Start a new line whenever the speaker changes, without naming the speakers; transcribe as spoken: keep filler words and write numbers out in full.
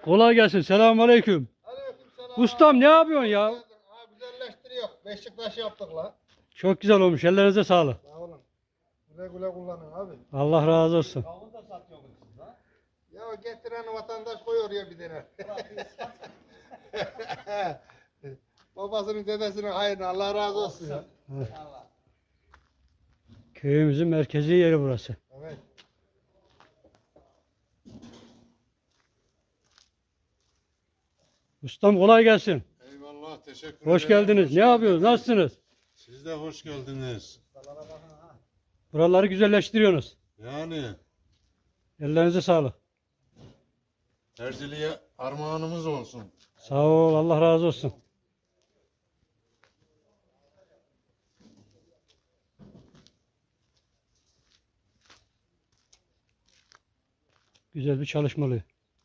Kolay gelsin. Selamünaleyküm.
Aleykümselam.
Ustam ne yapıyorsun ya?
Ha, güzelleştiriyor. Beşiktaş yaptık la.
Çok güzel olmuş. Ellerinize sağlık.
Sağ olun. Güle güle kullanın abi.
Allah razı olsun.
Kavun da satıyorsunuz siz ha?
Ya getiren vatandaş koyuyor ya bir tane. Babasının dedesinin hayrına Allah razı olsun ya.
Allah.
Köyümüzün merkezi yeri burası.
Evet.
Ustam kolay gelsin.
Eyvallah, teşekkür ederim.
Hoş geldiniz. Ne yapıyorsunuz? Nasılsınız?
Siz de hoş geldiniz.
Buraları güzelleştiriyorsunuz.
Yani
Ellerinize sağlık.
Erzili'ye armağanımız olsun.
Sağ ol. Allah razı olsun. Güzel bir çalışma oluyor.